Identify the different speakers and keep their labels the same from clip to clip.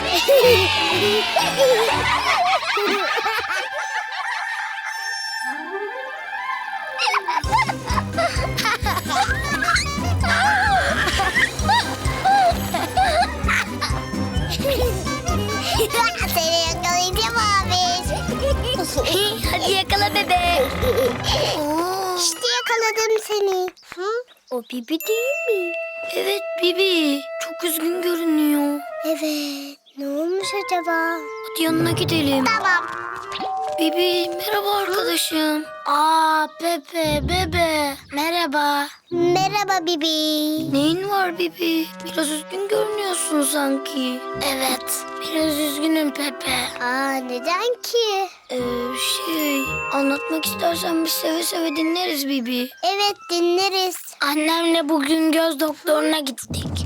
Speaker 1: Seni yakalayacağım abi.
Speaker 2: Hadi yakala bebe.
Speaker 1: İşte yakaladım seni.
Speaker 2: O Bibi değil mi? Evet Bibi. Çok üzgün görünüyor.
Speaker 1: Evet. Ne olmuş acaba?
Speaker 2: Hadi yanına gidelim.
Speaker 1: Tamam.
Speaker 2: Bibi merhaba arkadaşım. Aa Pepe bebe. Merhaba.
Speaker 1: Merhaba Bibi.
Speaker 2: Neyin var Bibi? Biraz üzgün görünüyorsun sanki. Evet. Biraz üzgünüm Pepe.
Speaker 1: Aa, neden ki?
Speaker 2: Anlatmak istersen biz seve seve dinleriz Bibi.
Speaker 1: Evet, dinleriz.
Speaker 2: Annemle bugün göz doktoruna gittik.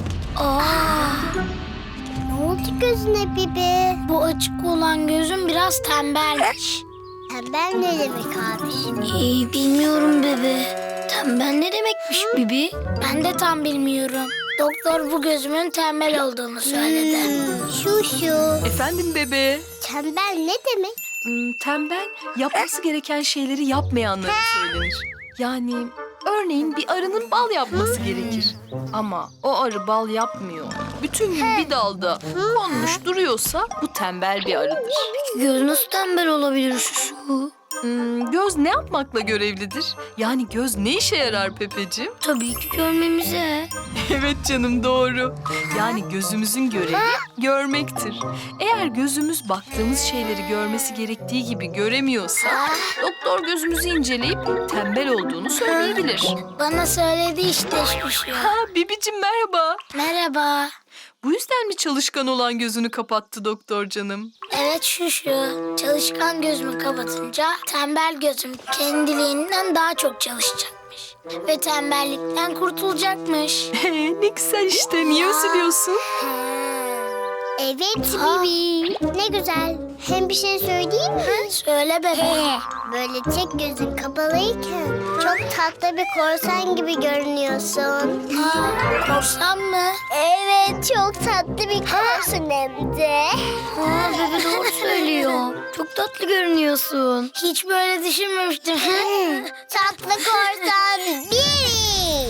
Speaker 1: Ne oldu gözüne Bibi?
Speaker 2: Bu açık olan gözüm biraz tembelmiş.
Speaker 1: Tembel ne demek abi?
Speaker 2: Bilmiyorum bebe. Tembel ne demekmiş Bibi? Ben de tam bilmiyorum. Doktor bu gözümün tembel olduğunu söyledi.
Speaker 1: Şu.
Speaker 3: Efendim bebe.
Speaker 1: Tembel ne demek?
Speaker 3: Tembel yapması gereken şeyleri yapmayanlara söylenir. Yani örneğin bir arının bal yapması gerekir. Ama o arı bal yapmıyor. Bütün gün bir dalda konmuş duruyorsa bu tembel bir arıdır.
Speaker 2: Göz nasıl tembel olabilir şu?
Speaker 3: Göz ne yapmakla görevlidir? Yani göz ne işe yarar Pepeciğim?
Speaker 2: Tabii ki görmemize.
Speaker 3: Evet canım doğru. Yani gözümüzün görevi görmektir. Eğer gözümüz baktığımız şeyleri görmesi gerektiği gibi göremiyorsa doktor gözümüzü inceleyip tembel olduğunu söyleyebilir.
Speaker 2: Bana söyledi işte şu.
Speaker 3: Ha Bibicim merhaba.
Speaker 2: Merhaba.
Speaker 3: Bu yüzden mi çalışkan olan gözünü kapattı doktor canım?
Speaker 2: Evet şu. Çalışkan gözümü kapatınca tembel gözüm kendiliğinden daha çok çalışacakmış. Ve tembellikten kurtulacakmış.
Speaker 3: Ne güzel işte. Niye üzülüyorsun?
Speaker 1: Evet Bibi. Ne güzel. Hem bir şey söyleyeyim mi?
Speaker 2: Söyle bebe.
Speaker 1: Böyle tek gözün kapalıyken çok tatlı bir korsan gibi görünüyorsun.
Speaker 2: Korsan mı?
Speaker 1: Evet, çok tatlı bir korsan hem de.
Speaker 2: Bebe doğru söylüyor. Çok tatlı görünüyorsun. Hiç böyle düşünmemiştim.
Speaker 1: Tatlı korsan Bibi.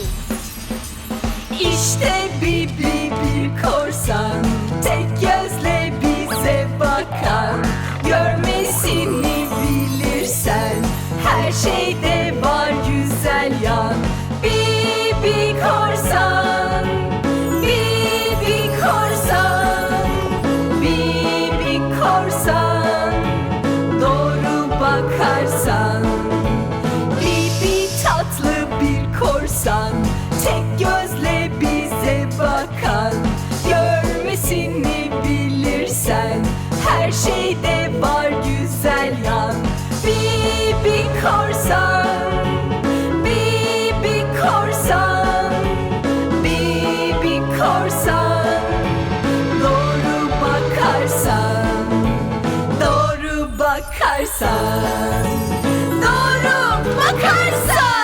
Speaker 3: İşte Bibi bir korsan, tek gözle bize bakan. Görmesini bilirsen her şeyde var güzel yan. Bibi korsan, Bibi korsan, Bibi korsan. Doğru bakarsan Bibi tatlı bir korsan, tek gözle bize bakan. Görmesini bilirsen her şeyde var güzel yan. Bibi korsan, Bibi korsan, Bibi korsan. Doğru bakarsan, doğru bakarsan, doğru bakarsan.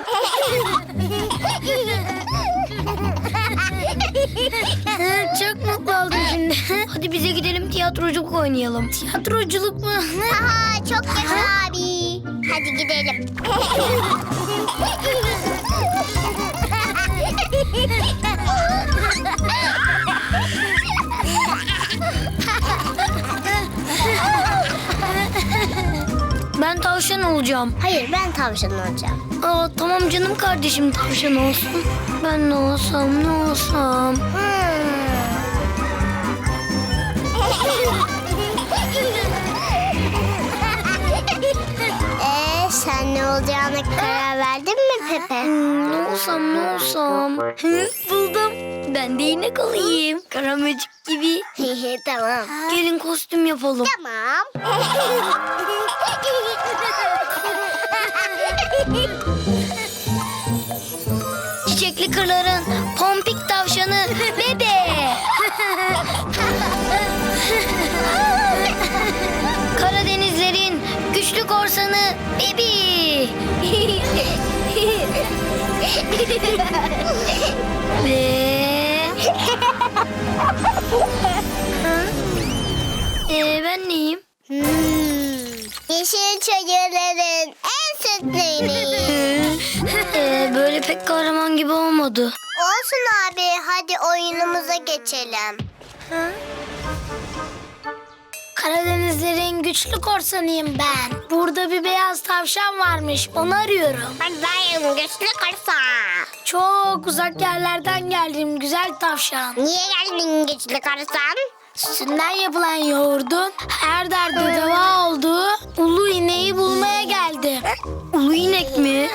Speaker 2: Çok mutlu oldum şimdi. Hadi bize gidelim tiyatroculuk oynayalım. Tiyatroculuk mu?
Speaker 1: Aha, çok yaşa abi. Hadi gidelim.
Speaker 2: Ben tavşan olacağım.
Speaker 1: Hayır, ben tavşan olacağım.
Speaker 2: Tamam canım kardeşim tavşan olsun. Ben ne olsam ne olsam.
Speaker 1: Sen ne olacağına karar verdin mi Pepe?
Speaker 2: Ne olsam ne olsam. Buldum. Ben de inek olayım. Karamecik gibi.
Speaker 1: Tamam.
Speaker 2: Gelin kostüm yapalım.
Speaker 1: Tamam.
Speaker 2: Çiçekli kırların pompik tavşanı bebe. Karadenizlerin güçlü korsanı Bibi. Ve...
Speaker 1: Yeşil çayırların en sütlü ineği.
Speaker 2: Böyle pek kahraman gibi olmadı.
Speaker 1: Olsun abi, hadi oyunumuza geçelim.
Speaker 2: Karadenizlerin güçlü korsanıyım ben. Burada bir beyaz tavşan varmış. Onu arıyorum.
Speaker 1: Ben dayım, güçlü korsan.
Speaker 2: Çok uzak yerlerden geldim güzel tavşan.
Speaker 1: Niye geldin güçlü korsan?
Speaker 2: Sütünden yapılan yoğurdun her derde deva olduğu ulu ineği bulmaya geldim. Ulu inek mi?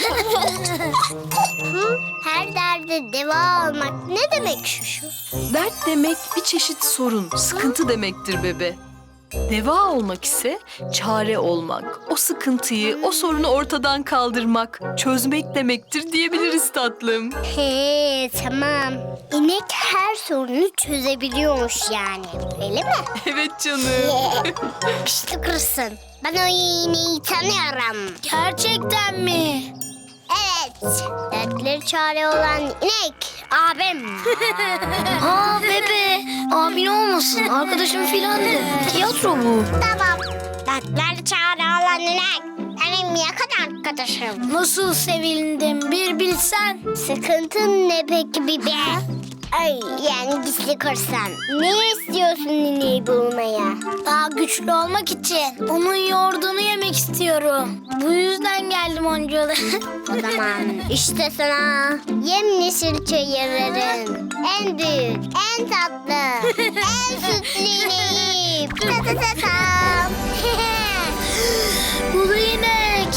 Speaker 1: Her derde deva olmak ne demek şu?
Speaker 3: Dert demek bir çeşit sorun, sıkıntı demektir bebe. Deva olmak ise çare olmak, o sıkıntıyı, o sorunu ortadan kaldırmak, çözmek demektir diyebiliriz tatlım.
Speaker 1: He, tamam. İnek her sorunu çözebiliyormuş yani. Öyle mi?
Speaker 3: Evet canım.
Speaker 1: Güçlü korsan. Ben o ineği tanıyorum.
Speaker 2: Gerçekten mi?
Speaker 1: Evet. Dertleri çare olan inek. Abim.
Speaker 2: Aa bebe, abin olmasın. Arkadaşım filandı. Tiyatro bu.
Speaker 1: Tamam. Dertleri çare olan inek. Benim yakın arkadaşım.
Speaker 2: Nasıl sevindim bir bilsen.
Speaker 1: Sıkıntın ne peki bibe? Ay, yani gizli korsan. Ne istiyorsun ineği bulmaya?
Speaker 2: Daha güçlü olmak için onun yoğurdunu yemek istiyorum. Bu yüzden geldim oncalı.
Speaker 1: O zaman işte sana yemyeşil çayırların en büyük, en tatlı, en sütlü ineği. Ta ta ta tam.
Speaker 2: Ulu inek.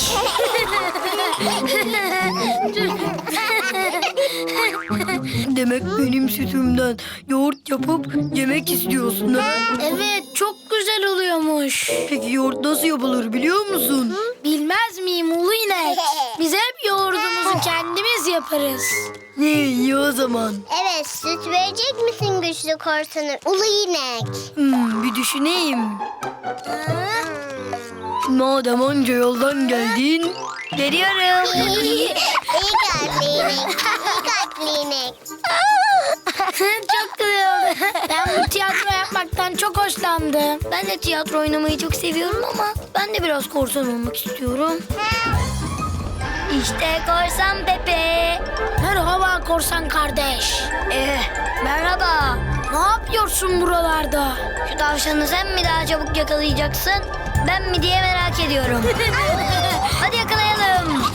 Speaker 4: Demek benim sütümden yoğurt yapıp yemek istiyorsun ha?
Speaker 2: Evet, çok güzel oluyormuş.
Speaker 4: Peki yoğurt nasıl yapılır biliyor musun?
Speaker 2: Bilmez miyim ulu inek? Biz hep yoğurdumuzu kendimiz yaparız.
Speaker 4: Ne iyi o zaman.
Speaker 1: Evet, süt verecek misin güçlü korsanı? Ulu inek.
Speaker 4: Bir düşüneyim. Madem onca yoldan geldin, veriyorum.
Speaker 1: İyi kalpli inek. İyi kalpli inek.
Speaker 2: Çok güzel oldu. Ben bu tiyatro yapmaktan çok hoşlandım.
Speaker 4: Ben de tiyatro oynamayı çok seviyorum ama ben de biraz korsan olmak istiyorum. İşte korsan Pepe.
Speaker 2: Merhaba korsan kardeş.
Speaker 4: Merhaba.
Speaker 2: Ne yapıyorsun buralarda?
Speaker 4: Şu tavşanı sen mi daha çabuk yakalayacaksın, ben mi diye merak ediyorum. Hadi yakalayalım.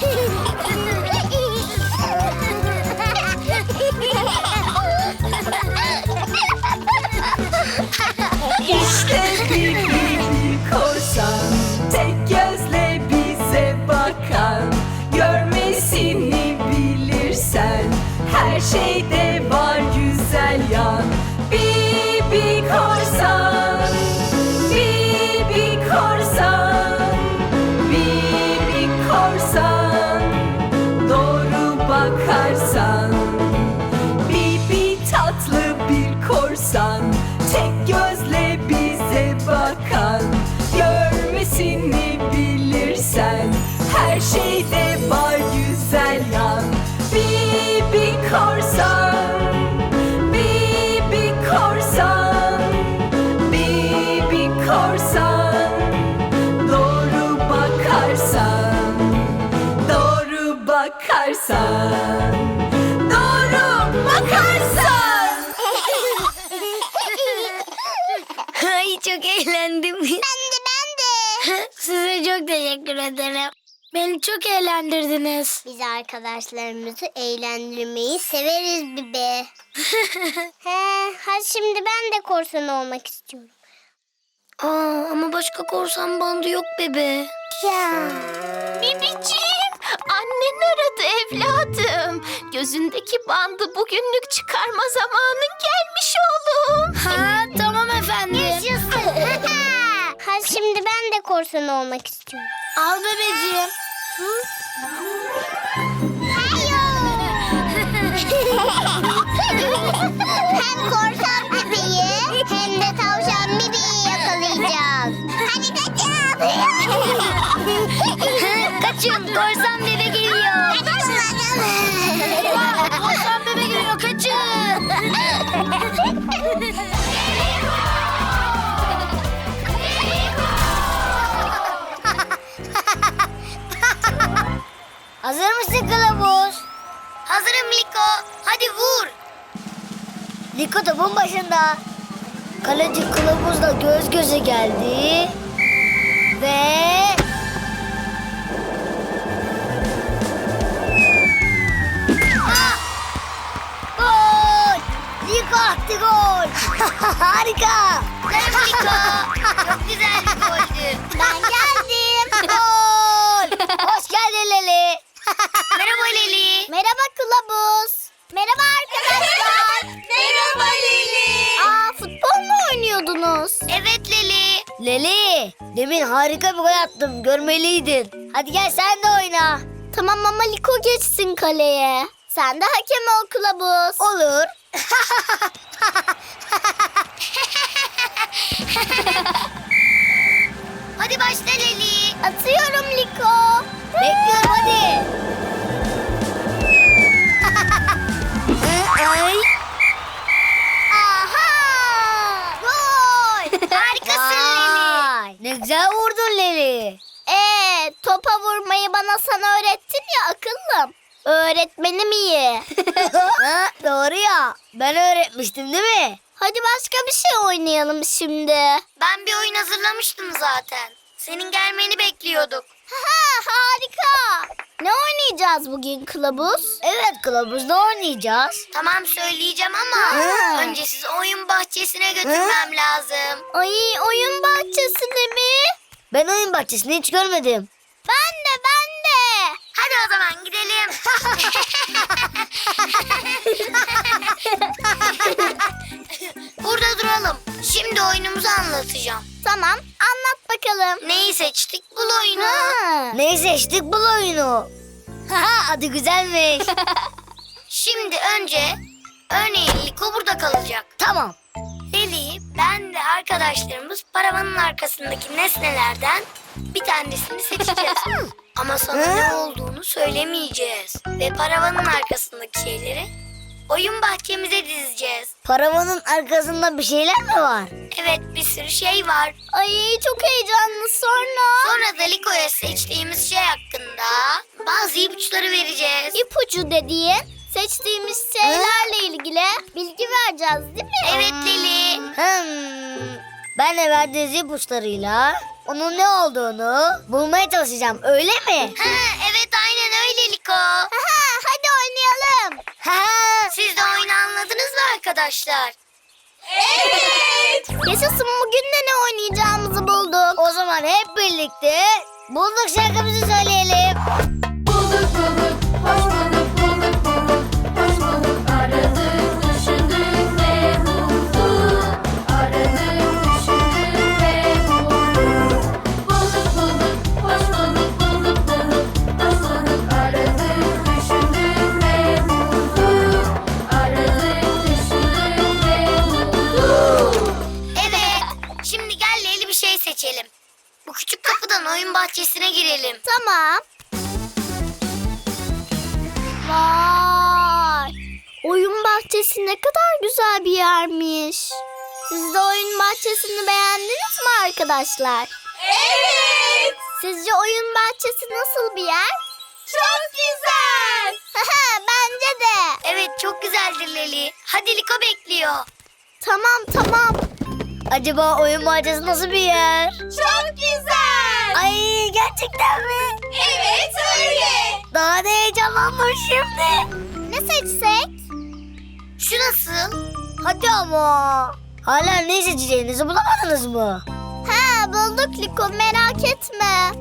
Speaker 5: İşte bir korsan, tek gözle bize bakan. Görmesini bilirsen, her şeyde var güzel yan. Bibi korsan, Bibi korsan, Bibi korsan. Doğru bakarsan, Bibi tatlı bir korsan, tek gözle bize bakan. Görmesini bilirsen, her şeyde var güzel yan. Bibi korsan, Bibi korsan, Bibi korsan. Doğru bakarsan, doğru bakarsan, doğru bakarsan.
Speaker 4: Ay çok eğlendim.
Speaker 1: Ben de.
Speaker 2: Size çok teşekkür ederim. Beni çok eğlendirdiniz.
Speaker 1: Biz arkadaşlarımızı eğlendirmeyi severiz bibe. Hadi şimdi ben de korsan olmak istiyorum.
Speaker 4: Ama başka korsan bandı yok bebe.
Speaker 1: Ya.
Speaker 6: Bibiciğim, annen aradı evladım. Gözündeki bandı bugünlük çıkarma zamanın gelmiş oğlum.
Speaker 2: Ha tamam efendim.
Speaker 1: Hadi şimdi ben de korsan olmak istiyorum.
Speaker 2: Al bebeciğim.
Speaker 1: Hem korsan bebeği hem de tavşan bebeği yakalayacağız. Hadi kaçın.
Speaker 4: Kaçın, korsan bebe geliyor.
Speaker 2: Korsan bebe geliyor, kaçın.
Speaker 4: hadi vur. Liko topun başında. Kaleci kılavuzla göz göze geldi. Ve... Gol! Liko attı gol. Harika. Bravo Liko. Çok güzel bir goldü.
Speaker 1: Ben geldim.
Speaker 4: Gol. Hoş geldin Leli. Merhaba Leli.
Speaker 1: Merhaba kılavuz. Merhaba arkadaşlar.
Speaker 5: Merhaba Leli.
Speaker 1: Aa, futbol mu oynuyordunuz?
Speaker 4: Evet Leli. Leli, demin harika bir gol attım. Görmeliydin. Hadi gel sen de oyna.
Speaker 1: Tamam ama Liko geçsin kaleye. Sen de hakem ol kılavuz.
Speaker 4: Olur. Hadi başla Leli.
Speaker 1: Atıyorum Liko.
Speaker 4: Bekliyorum hadi. Ay.
Speaker 1: Aha! Gol!
Speaker 4: Harikasın Leli. Ne güzel vurdun Leli.
Speaker 1: Topa vurmayı bana sen öğrettin ya akıllım. Öğretmenim iyi.
Speaker 4: Ha, doğru ya. Ben öğretmiştim değil mi?
Speaker 1: Hadi başka bir şey oynayalım şimdi.
Speaker 4: Ben bir oyun hazırlamıştım zaten. Senin gelmeni bekliyorduk.
Speaker 1: Ha, harika. Ne oynayacağız bugün kılavuz?
Speaker 4: Evet kılavuzda oynayacağız. Tamam söyleyeceğim ama önce sizi oyun bahçesine götürmem lazım.
Speaker 1: Ay, oyun bahçesinde mi?
Speaker 4: Ben oyun bahçesini hiç görmedim.
Speaker 1: Ben de.
Speaker 4: Hadi o zaman gidelim. Burada duralım. Şimdi oyunumuzu anlatacağım.
Speaker 1: Tamam, anlat bakalım.
Speaker 4: Neyi seçtik? Bul oyunu.
Speaker 1: Ha.
Speaker 4: Neyi seçtik? Bul oyunu. Adı güzelmiş. Şimdi önce örneğin Liko burada kalacak. Tamam. Leli, ben ve arkadaşlarımız paravanın arkasındaki nesnelerden bir tanesini seçeceğiz. Ama sana ne olduğunu söylemeyeceğiz. Ve paravanın arkasındaki şeyleri oyun bahçemize dizeceğiz. Paravanın arkasında bir şeyler mi var? Evet, bir sürü şey var.
Speaker 1: Ay, çok heyecanlı sonra.
Speaker 4: Sonra da Liko'ya seçtiğimiz şey hakkında bazı ipuçları vereceğiz.
Speaker 1: İpucu dediğin seçtiğimiz şeylerle ilgili bilgi vereceğiz değil mi?
Speaker 4: Evet Leli. Ben de verdiğiniz ipuçlarıyla onun ne olduğunu bulmaya çalışacağım, öyle mi? Evet aynen öyle Liko.
Speaker 1: Hadi oynayalım.
Speaker 4: Siz de oyunu anladınız mı arkadaşlar?
Speaker 1: Yaşasın, bugün de ne oynayacağımızı bulduk.
Speaker 4: O zaman hep birlikte bulduk şarkımızı söyleyelim.
Speaker 5: Bulduk bulduk, hoş bulduk, bulduk bulduk, hoş bulduk. Aradık, düşündük ve bulduk. Aradık, düşündük ve bulduk. Bulduk bulduk, hoş bulduk, bulduk bulduk, hoş bulduk. Aradık, düşündük ve bulduk. Aradık, düşündük ve bulduk.
Speaker 4: Evet, şimdi gel Leyli bir şey seçelim. Bu küçük kapıdan oyun bahçesine girelim.
Speaker 1: Tamam. Vay! Oyun bahçesi ne kadar güzel bir yermiş. Siz de oyun bahçesini beğendiniz mi arkadaşlar?
Speaker 5: Evet.
Speaker 1: Sizce oyun bahçesi nasıl bir yer?
Speaker 5: Çok güzel.
Speaker 1: Bence de.
Speaker 4: Evet, çok güzeldir Leli. Hadi Liko bekliyor.
Speaker 1: Tamam.
Speaker 4: Acaba oyun bahçesi nasıl bir yer?
Speaker 5: Çok güzel.
Speaker 4: Ay gerçekten mi?
Speaker 5: Evet öyle.
Speaker 4: Daha da heyecanlandım şimdi.
Speaker 1: Ne seçsek?
Speaker 4: Şu nasıl? Hadi ama. Hala ne seçeceğinizi bulamadınız mı?
Speaker 1: Bulduk Liko, merak etme.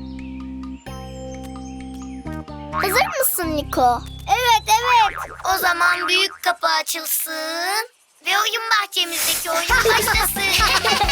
Speaker 1: Hazır mısın Liko?
Speaker 4: Evet. O zaman büyük kapı açılsın ve oyun bahçemizdeki oyun başlasın.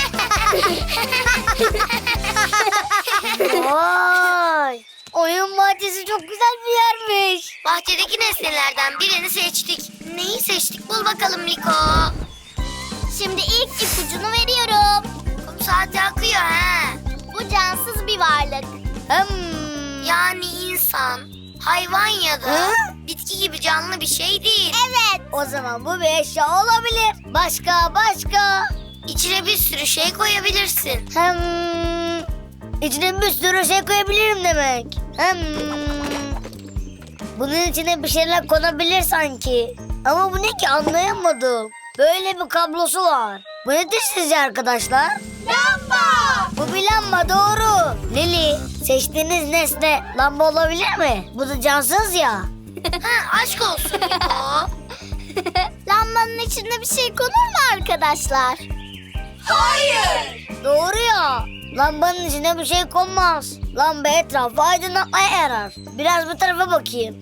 Speaker 4: Vay! Oyun bahçesi çok güzel bir yermiş. Bahçedeki nesnelerden birini seçtik. Neyi seçtik? Bul bakalım Liko.
Speaker 1: Şimdi ilk ipucunu veriyorum.
Speaker 4: Kum saati akıyor ha.
Speaker 1: Bu cansız bir varlık.
Speaker 4: Yani insan, hayvan ya da bitki gibi canlı bir şey değil.
Speaker 1: Evet.
Speaker 4: O zaman bu bir eşya olabilir. Başka. İçine bir sürü şey koyabilirsin. İçine bir sürü şey koyabilirim demek. Bunun içine bir şeyler konabilir sanki. Ama bu ne ki anlayamadım. Böyle bir kablosu var. Bu nedir sizce arkadaşlar?
Speaker 5: Lamba.
Speaker 4: Bu bir lamba doğru. Lili, seçtiğiniz nesne lamba olabilir mi? Bu da cansız ya.
Speaker 2: Ha, aşk olsun Liko.
Speaker 1: Lambanın içinde bir şey konur mu arkadaşlar?
Speaker 5: Hayır.
Speaker 4: Doğru ya. Lambanın içine bir şey konmaz. Lamba etrafı aydınlatmaya yarar. Biraz bu tarafa bakayım.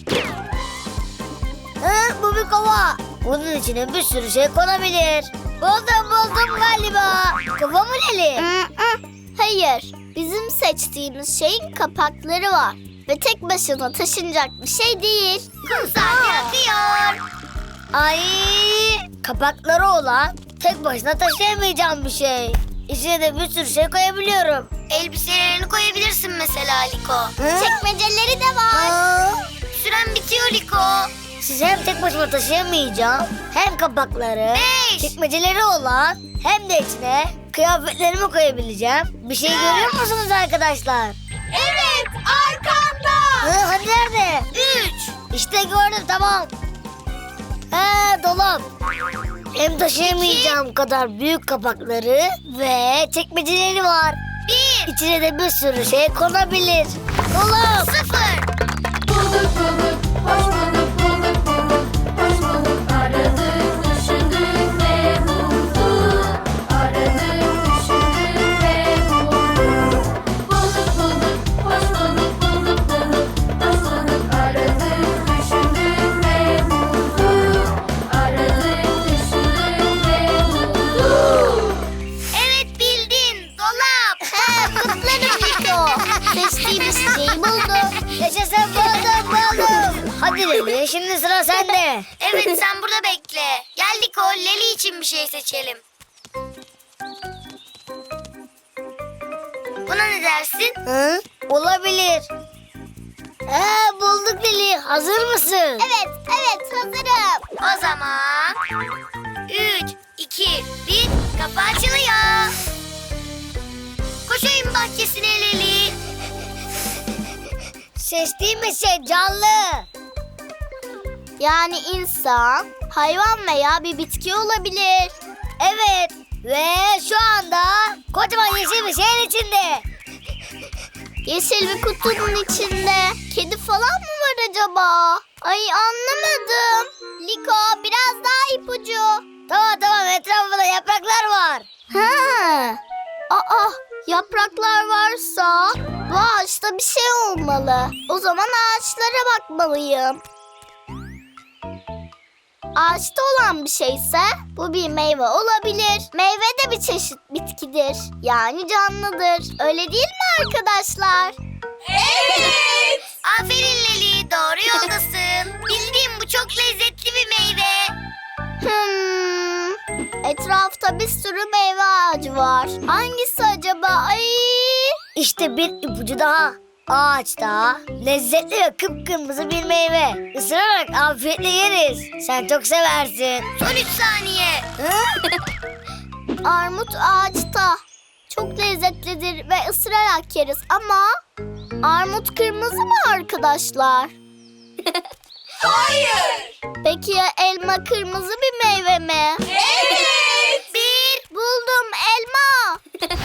Speaker 4: Bu bir kova. Bunun içine bir sürü şey konabilir. Buldum galiba. Kova mı Leli?
Speaker 1: Hayır. Bizim seçtiğimiz şeyin kapakları var. Ve tek başına taşınacak bir şey değil.
Speaker 4: Kumsal yakıyor. Ay, kapakları olan tek başına taşıyamayacağım bir şey. İçine de bir sürü şey koyabiliyorum.
Speaker 2: Elbiselerini koyabilirsin mesela Liko.
Speaker 1: Çekmeceleri de var.
Speaker 2: Süren bitiyor Liko.
Speaker 4: Siz hem tek başıma taşıyamayacağım, hem kapakları,
Speaker 2: 5.
Speaker 4: çekmeceleri olan, hem de içine kıyafetlerimi koyabileceğim. Bir şey görüyor musunuz arkadaşlar?
Speaker 5: Evet, arkanda.
Speaker 4: Hani nerede?
Speaker 2: 3.
Speaker 4: İşte gördüm, tamam. Dolap. Hem taşıyamayacağım kadar büyük kapakları ve çekmeceleri var.
Speaker 2: 1.
Speaker 4: İçine de bir sürü şey konabilir. Dolap.
Speaker 2: 0.
Speaker 5: Bulduk bulduk, hoş bulduk, bulduk bulduk, hoş bulduk. Aradık, düşündük ve bulduk. Aradık, düşündük ve bulduk. Bulduk bulduk, hoş bulduk, bulduk bulduk, hoş bulduk. Aradık, düşündük ve bulduk. Aradık, düşündük ve bulduk.
Speaker 2: Evet bildin. Dolap.
Speaker 1: Kutlarım Liko. Seçtiğimiz şeyi buldu.
Speaker 4: Yaşasın, buldum. Hadi Leli, şimdi sıra sende.
Speaker 2: Evet sen burada bekle. Gel Liko, Leli için bir şey seçelim. Buna ne dersin?
Speaker 4: Olabilir. Bulduk Leli. Hazır mısın?
Speaker 1: Evet hazırım.
Speaker 2: O zaman 3, 2, 1 kapı açılıyor. Koş oyun bahçesine Leli.
Speaker 4: Seçtiğimiz şey canlı.
Speaker 1: Yani insan, hayvan veya bir bitki olabilir.
Speaker 4: Evet. Ve şu anda kocaman yeşil bir şeyin içinde.
Speaker 1: Yeşil bir kutunun içinde. Kedi falan mı var acaba? Ay anlamadım. Liko biraz daha ipucu.
Speaker 4: Tamam, etrafında yapraklar var.
Speaker 1: Ha. Aa, yapraklar varsa bu ağaçta bir şey olmalı. O zaman ağaçlara bakmalıyım. Ağaçta olan bir şeyse bu bir meyve olabilir. Meyve de bir çeşit bitkidir. Yani canlıdır. Öyle değil mi arkadaşlar?
Speaker 5: Evet.
Speaker 2: Aferin Leli, doğru yoldasın. Bildiğim bu çok lezzetli bir meyve.
Speaker 1: Etrafta bir sürü meyve ağacı var. Hangisi acaba? Ay!
Speaker 4: İşte bir ipucu daha. Ağaçta lezzetli ve kıpkırmızı bir meyve. Isırarak afiyetle yeriz. Sen çok seversin.
Speaker 2: Son 3 saniye.
Speaker 1: Armut ağaçta. Çok lezzetlidir ve ısırarak yeriz ama armut kırmızı mı arkadaşlar?
Speaker 5: Hayır.
Speaker 1: Peki ya elma kırmızı bir meyve mi?
Speaker 5: Evet.
Speaker 2: 1.
Speaker 1: Buldum, elma.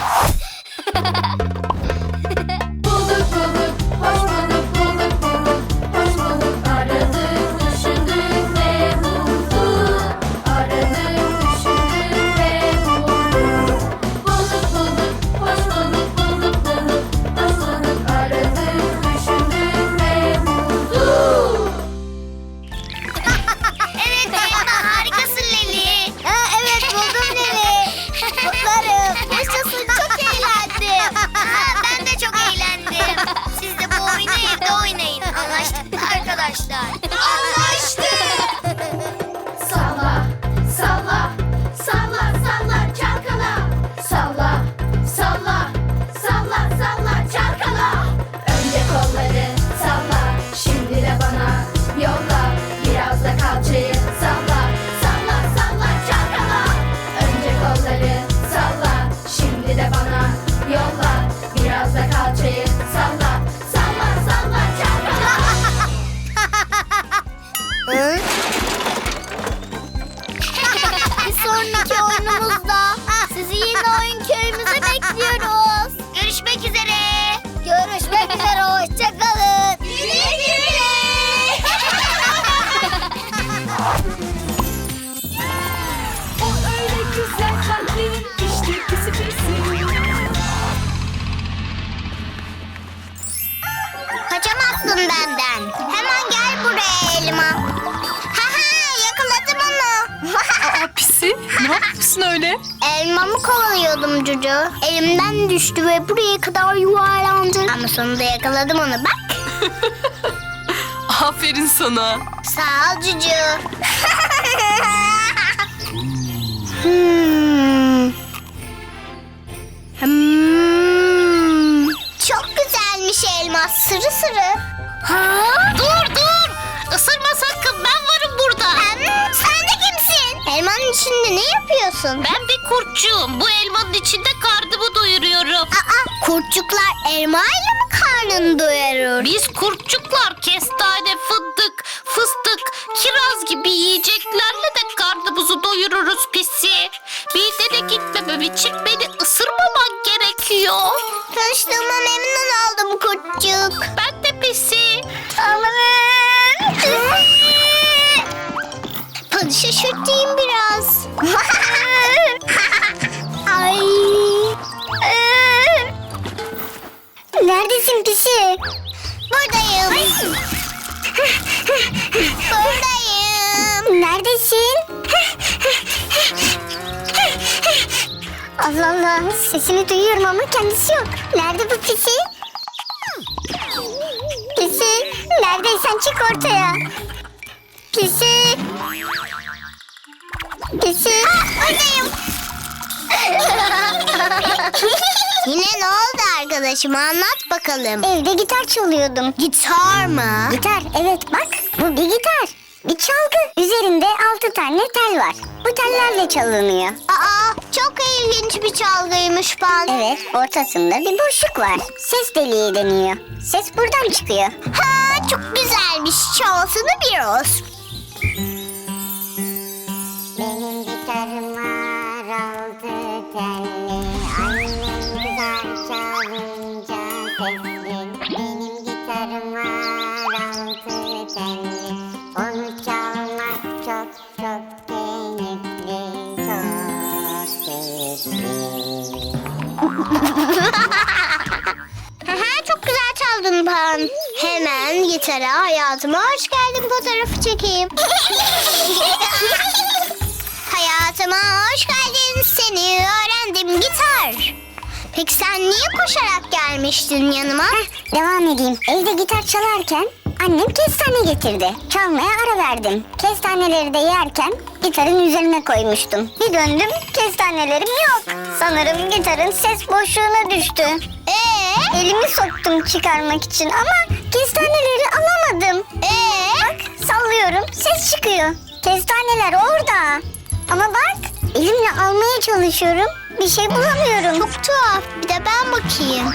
Speaker 5: Bulduk bulduk, hoş bulduk, bulduk bulduk, hoş bulduk. Aradık, düşündük ve bulduk. Aradık, düşündük ve bulduk. Bulduk bulduk, hoş bulduk, bulduk bulduk, hoş bulduk. Aradık, düşündük ve bulduk.
Speaker 2: Evet Elma, harikasın Leli.
Speaker 4: Evet, buldum Leli. Kutlarım.
Speaker 1: elmamı kovalıyordum Cucu. Elimden düştü ve buraya kadar yuvarlandı. Ama sonunda yakaladım onu bak.
Speaker 3: Aferin sana.
Speaker 1: Sağ ol Cucu. Çok güzelmiş elma, sırı sırı.
Speaker 6: Dur dur. Isırma sakın, ben varım burada.
Speaker 1: Sen de kimsin? Elmanın içinde ne yapıyorsun?
Speaker 6: Ben bir kurtçuyum. Bu elmanın içinde karnımı doyuruyorum.
Speaker 1: Aa, kurtçuklar elmayla mı karnını doyurur?
Speaker 6: Biz kurtçuklar kestane, fındık, fıstık, kiraz gibi yiyeceklerle de karnımızı doyururuz pisi. Midene gitmemem için beni ısırmaman gerekiyor.
Speaker 1: Tanıştığıma memnun oldum kurtçuk.
Speaker 6: Ben de pisi.
Speaker 1: Hadi şaşırtayım biraz. Ay. Neredesin pisi? Buradayım. Buradayım. Neredesin? Allah Allah, sesini duyuyorum ama kendisi yok. Nerede bu pisi? Pisi, neredeysen çık ortaya. Pisi. Pisi. Buradayım. Yine ne oldu arkadaşım, anlat bakalım. Evde gitar çalıyordum. Gitar mı? Gitar, evet bak bu bir gitar. Bir çalgı. Üzerinde 6 tane tel var. Bu tellerle çalınıyor. Aa, çok ilginç bir çalgıymış Pan. Evet, ortasında bir boşluk var. Ses deliği deniyor. Ses buradan çıkıyor. Ha, çok güzelmiş. Çalsana biraz. Benim gitarım var 6 telli. Annem güzel çalınca sesli. Benim gitarım var 6 telli. Onu çalmak çok çok keyifli. Çok keyifli. Çok güzel çaldın Pan. Hemen gitara hayatıma hoş geldin fotoğrafı çekeyim. Hayatıma hoş geldin, seni öğrendim gitar. Peki sen niye koşarak gelmiştin yanıma? Devam edeyim. Evde gitar çalarken annem kestane getirdi. Çalmaya ara verdim. Kestaneleri de yerken gitarın üzerine koymuştum. Bir döndüm, kestanelerim yok. Sanırım gitarın ses boşluğuna düştü. Elimi soktum çıkarmak için ama kestaneleri alamadım. Bak sallıyorum, ses çıkıyor. Kestaneler orada. Ama bak elimle almaya çalışıyorum. Bir şey bulamıyorum. Çok tuhaf. Bir de ben bakayım.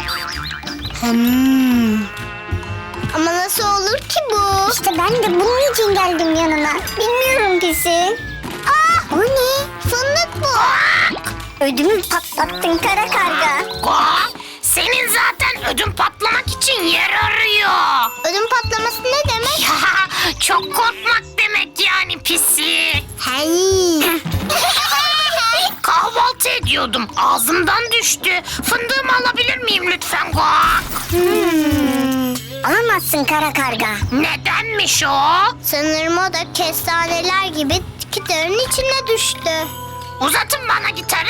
Speaker 1: Ama nasıl olur ki bu? İşte ben de bunun için geldim yanına. Bilmiyorum pisi. O ne? Fındık bu. Ödümü patlattın kara karga.
Speaker 6: Senin zaten ödün patlamak için yer arıyor.
Speaker 1: Ödüm patlaması ne demek?
Speaker 6: Çok korkmak demek yani pisi.
Speaker 1: Hey.
Speaker 6: Kahvaltı ediyordum. Ağzımdan düştü. Fındığımı alabilir miyim lütfen? Guak.
Speaker 1: Alamazsın kara karga.
Speaker 6: Nedenmiş o?
Speaker 1: Sanırım o da kestaneler gibi gitarın içine düştü.
Speaker 6: Uzatın bana gitarı.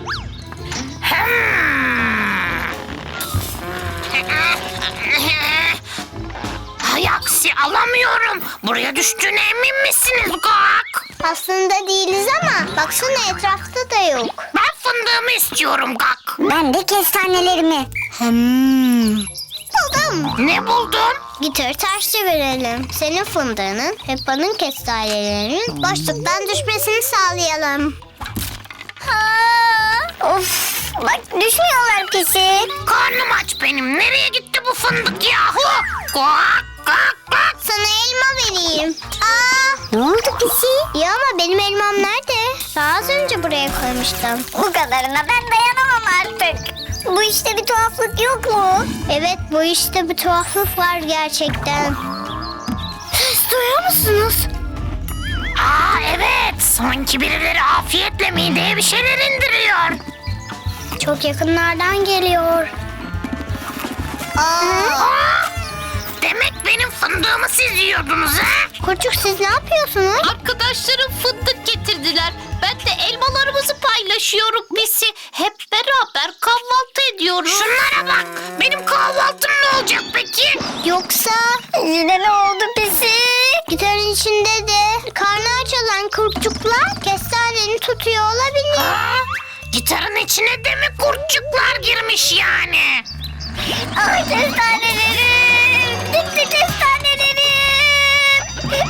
Speaker 6: Hay aksi alamıyorum. Buraya düştüğüne emin misiniz Guak?
Speaker 1: Aslında değiliz ama baksana etrafta da yok.
Speaker 6: Ben fındığımı istiyorum Gak.
Speaker 1: Ben de kestanelerimi. Buldum.
Speaker 6: Ne buldun?
Speaker 1: Gitarı ters çevirelim. Senin fındığının, Peppa'nın kestanelerinin boşluktan düşmesini sağlayalım. Of, bak düşmüyorlar pisi.
Speaker 6: Karnım aç benim. Nereye gitti bu fındık yahu? Guak gak gak.
Speaker 1: Sana elma vereyim. Ne oldu pisi? Ya ama benim elmam nerede? Daha az önce buraya koymuştum. Bu kadarına ben dayanamam artık. Bu işte bir tuhaflık yok mu? Evet, bu işte bir tuhaflık var gerçekten. Ses duyuyor musunuz?
Speaker 6: Evet. Sanki birileri afiyetle mideye bir şeyler indiriyor.
Speaker 1: Çok yakınlardan geliyor.
Speaker 6: Demek benim fındığımı siz yiyordunuz ha?
Speaker 1: Kurçuk siz ne yapıyorsunuz?
Speaker 6: Arkadaşlarım fındık getirdiler. Ben de elmalarımızı paylaşıyorum Pisi. Hep beraber kahvaltı ediyoruz. Şunlara bak. Benim kahvaltım ne olacak peki?
Speaker 1: Yoksa
Speaker 4: Yine ne oldu pisi?
Speaker 1: gitarın içinde de karnı aç olan kurtçuklar kestaneni tutuyor olabilir.
Speaker 6: Ha? Gitarın içine de mi kurtçuklar girmiş yani?
Speaker 4: Ay kestanelerim. Gitti kestanelerim.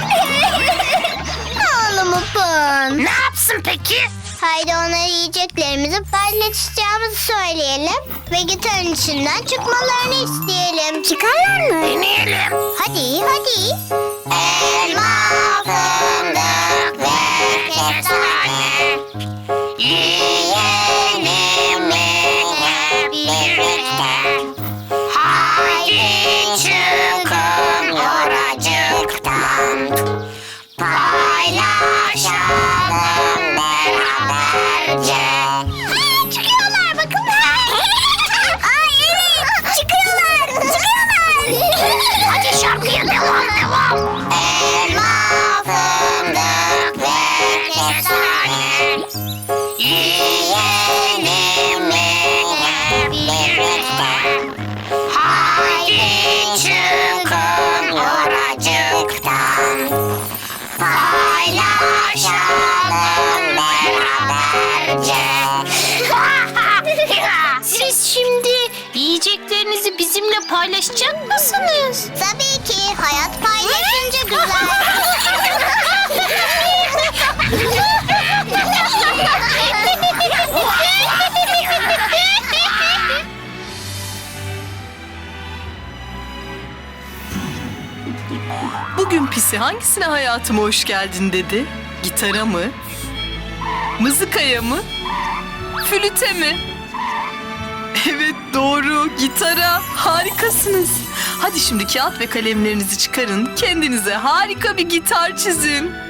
Speaker 1: Oğlum Upun.
Speaker 6: Ne yapsın peki?
Speaker 1: Haydi ona yiyeceklerimizi paylaşacağımızı söyleyelim ve gitarın içinden çıkmalarını isteyelim. Çıkarlar mı?
Speaker 6: Deneyelim.
Speaker 1: Hadi hadi. Elma, fındık ve kestane.
Speaker 6: Yiyelim hep birlikte. Haydi çıkın oracıktan. Paylaşalım beraberce.
Speaker 1: Çıkıyorlar bakın. Ay evet çıkıyorlar.
Speaker 6: Hadi şarkıya devam.
Speaker 1: Elma, fındık ve kestane.
Speaker 6: Yiyelim hep birlikte. Haydi çıkın oracıktan. Paylaşalım beraberce. Siz şimdi yiyeceklerinizi bizimle paylaşacak mısınız?
Speaker 1: Tabii ki hayat paylaşınca güzel.
Speaker 3: Bugün Pisi hangisine hayatıma hoş geldin dedi? Gitara mı? Mızıkaya mı? Flüte mi? Evet doğru, gitara. Harikasınız. Hadi şimdi kağıt ve kalemlerinizi çıkarın. Kendinize harika bir gitar çizin.